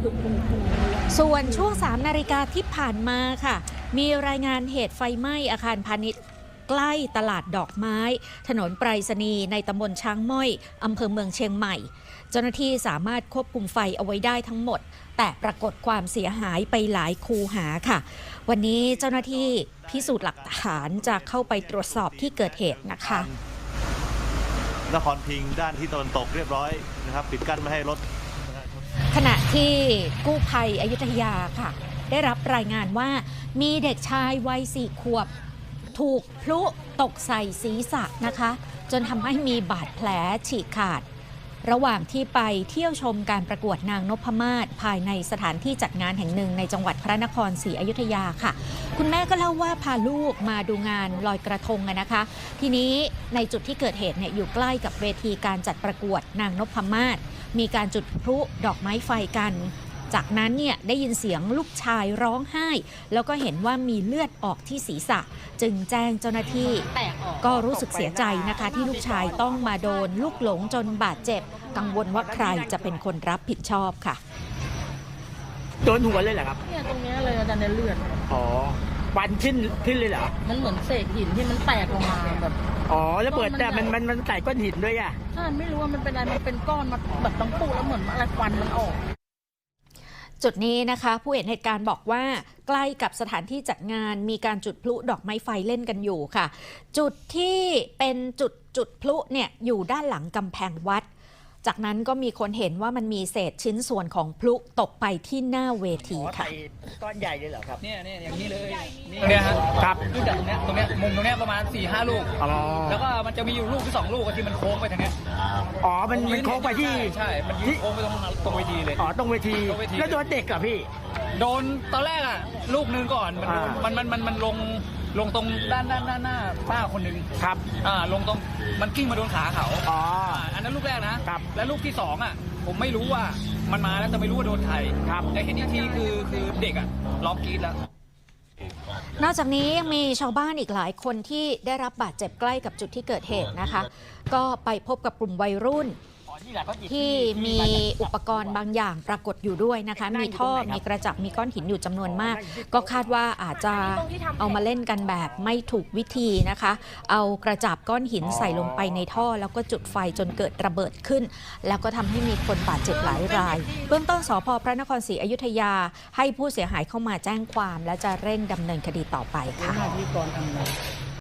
ส่วนช่วง3 นาฬิกาที่ผ่านมาค่ะมีรายงานเหตุไฟไหม้อาคารพาณิชย์ใกล้ตลาดดอกไม้ถนนไปรษณีย์ในตำบลช้างม้อยอำเภอเมืองเชียงใหม่เจ้าหน้าที่สามารถควบคุมไฟเอาไว้ได้ทั้งหมดแต่ปรากฏความเสียหายไปหลายคูหาค่ะวันนี้เจ้าหน้าที่พิสูจน์หลักฐานจะเข้าไปตรวจสอบที่เกิดเหตุนะคะนครพิงค์ด้านที่ตะวันตกเรียบร้อยนะครับปิดกั้นไม่ให้รถขณะที่กู้ภัยอยุธยาค่ะได้รับรายงานว่ามีเด็กชายวัย4 ขวบถูกพลุตกใส่ศีรษะนะคะจนทำให้มีบาดแผลฉีกขาดระหว่างที่ไปเที่ยวชมการประกวดนางนพมาศภายในสถานที่จัดงานแห่งหนึ่งในจังหวัดพระนครศรีอยุธยาค่ะคุณแม่ก็เล่าว่าพาลูกมาดูงานลอยกระทงนะคะทีนี้ในจุดที่เกิดเหตุเนี่ยอยู่ใกล้กับเวทีการจัดประกวดนางนพมาศมีการจุดพลุดอกไม้ไฟกันจากนั้นเนี่ยได้ยินเสียงลูกชายร้องไห้แล้วก็เห็นว่ามีเลือดออกที่ศีรษะจึงแจ้งเจ้าหน้าที่ก็รู้สึกเสียใจนะคะที่ลูกชายต้องมาโดนลูกหลงจนบาดเจ็บกังวลว่าใครจะเป็นคนรับผิดชอบค่ะโดนหัวเลยเหรอครับเนี่ยตรงนี้เลยอาจารย์ในเลือดอ๋อฟันทิ้นเลยเหรอมันเหมือนเศษหินที่มันแตกออกมาแบบอ๋อแล้วเปิดแต่มันใส่ก้อนหินด้วยอ่ะใช่ไม่รู้ว่ามันเป็นอะไรมันเป็นก้อนมาแบบตั้งปูแล้วเหมือนอะไรควันมันออกจุดนี้นะคะผู้เห็นเหตุการณ์บอกว่าใกล้กับสถานที่จัดงานมีการจุดพลุดอกไม้ไฟเล่นกันอยู่ค่ะจุดที่เป็นจุดพลุเนี่ยอยู่ด้านหลังกำแพงวัดจากนั้นก็มีคนเห็นว่ามันมีเศษชิ้นส่วนของพลุตกไปที่หน้าเวทีค่ะก้อนใหญ่เลยเหรอครับเนี่ยอย่างนี้เลยเนี่ยครับลูกจากตรงเนี้ยมุมตรงเนี้ยประมาณ 4-5 ลูกแล้วก็มันจะมีอยู่ลูกที่2 ลูกที่มันโค้งไปทางเนี้ยอ๋อมันโค้งไปที่ใช่มันโค้งไปตรงเวทีเลยอ๋อตรงเวทีแล้วโดนเด็กเหรอพี่โดนตอนแรกอ่ะลูกนึงก่อนมันลงตรงด้านหน้าป้าคนหนึ่งครับลงตรงมันกิ้งมาโดนขาเขาอันนั้นลูกแรกนะครับแล้วลูกที่2อ่ะผมไม่รู้ว่ามันมาแล้วแต่ไม่รู้ว่าโดนใครครับแต่เห็นอีกทีคือเด็กอ่ะร้องกรี๊ดแล้วนอกจากนี้ยังมีชาวบ้านอีกหลายคนที่ได้รับบาดเจ็บใกล้กับจุดที่เกิดเหตุนะคะก็ไปพบกับกลุ่มวัยรุ่นที่มีอุปกรณ์บางอย่างปรากฏอยู่ด้วยนะคะมีท่อมีกระจับมีก้อนหินอยู่จำนวนมากก็คาดว่าอาจจะเอามาเล่นกันแบบไม่ถูกวิธีนะคะเอากระจับก้อนหินใส่ลงไปในท่อแล้วก็จุดไฟจนเกิดระเบิดขึ้นแล้วก็ทำให้มีคนบาดเจ็บหลายรายเบื้องต้นสภ.พระนครศรีอยุธยาให้ผู้เสียหายเข้ามาแจ้งความและจะเร่งดำเนินคดีต่อไปค่ะ